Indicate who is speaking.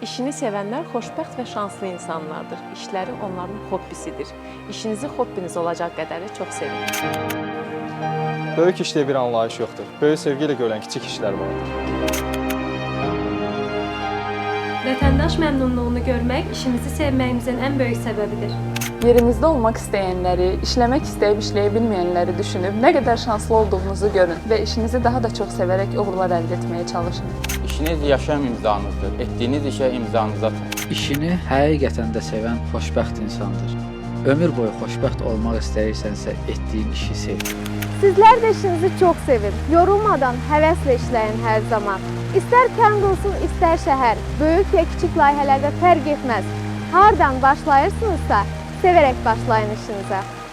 Speaker 1: İşini sevənlər xoşbəxt və şanslı insanlardır. İşləri onların hobbisidir. İşinizi hobbiniz olacaq qədəri çox sevin.
Speaker 2: Böyük işdə bir anlayış yoxdur. Böyük sevgi ilə görülən kiçik işlər vardır.
Speaker 3: Vətəndaş məmnunluğunu görmək işimizi sevməyimizin ən böyük səbəbidir.
Speaker 4: Yerinizdə olmaq istəyənləri, işləmək istəyib işləyə bilməyənləri düşünüb nə qədər şanslı olduğunuzu görün və işinizi daha da çox sevərək uğurlar əldə etməyə çalışın.
Speaker 5: İşiniz yaşam imzanızdır. Etdiyiniz işə imzanızı atın.
Speaker 6: İşini həqiqətən də sevən xoşbəxt insandır. Ömür boyu xoşbəxt olmaq istəyirsənsə, etdiyin işi sev.
Speaker 7: Sizlər də işinizi çox sevin. Yorulmadan həvəslə işləyin hər zaman. İstər kənd olsun, istər şəhər. Böyük və kiçik layihələrdə fərq etməz. Hardan başlayırsınızsa, sevərək başlayın işinizə.